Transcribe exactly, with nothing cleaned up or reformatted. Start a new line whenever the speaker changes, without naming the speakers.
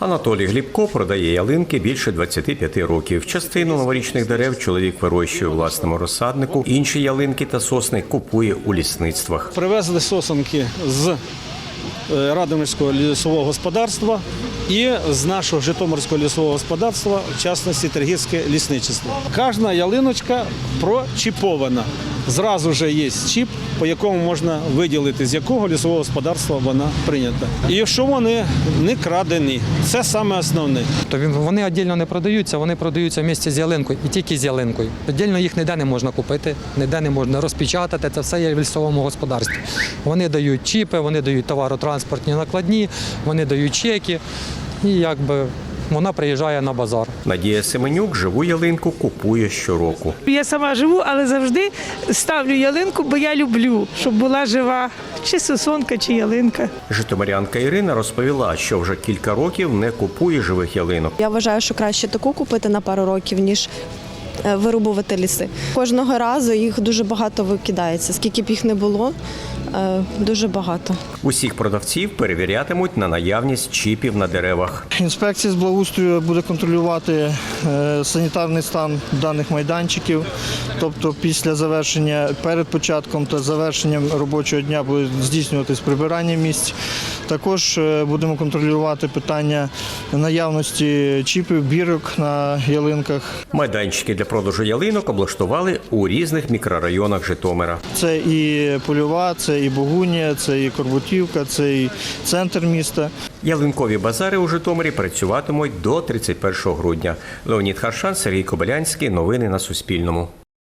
Анатолій Глібко продає ялинки більше двадцяти п'яти років. Частину новорічних дерев чоловік вирощує у власному розсаднику, інші ялинки та сосни купує у лісництвах.
Привезли сосенки з Радомирського лісового господарства і з нашого Житомирського лісового господарства, в частності Тригірське лісничество. Кожна ялиночка прочіпована. Зразу ж є чіп, по якому можна виділити, з якого лісового господарства вона прийнята. І що вони не крадені. Це саме основне.
Вони віддільно не продаються, вони продаються в місті з ялинкою і тільки з ялинкою. Віддільно їх ніде не можна купити, ніде не можна розпечатати, це все є в лісовому господарстві. Вони дають чіпи, вони дають товаротранспортні накладні, вони дають чеки і якби вона приїжджає на базар.
Надія Семенюк живу ялинку купує щороку.
Я сама живу, але завжди ставлю ялинку, бо я люблю, щоб була жива, чи сосонка, чи ялинка.
Житомирянка Ірина розповіла, що вже кілька років не купує живих ялинок.
Я вважаю, що краще таку купити на пару років, ніж вирубувати ліси. Кожного разу їх дуже багато викидається. Скільки б їх не було, дуже багато.
Усіх продавців перевірятимуть на наявність чіпів на деревах.
Інспекція з благоустрою буде контролювати санітарний стан даних майданчиків. Тобто після завершення, перед початком та завершенням робочого дня буде здійснюватись прибирання місць. Також будемо контролювати питання наявності чіпів, бірок на ялинках.
Майданчики для продажу ялинок облаштували у різних мікрорайонах Житомира.
Це і Польова, це і Богунія, це і Корбутівка, це і центр міста.
Ялинкові базари у Житомирі працюватимуть до тридцять першого грудня. Леонід Харшан, Сергій Кобилянський. Новини на Суспільному.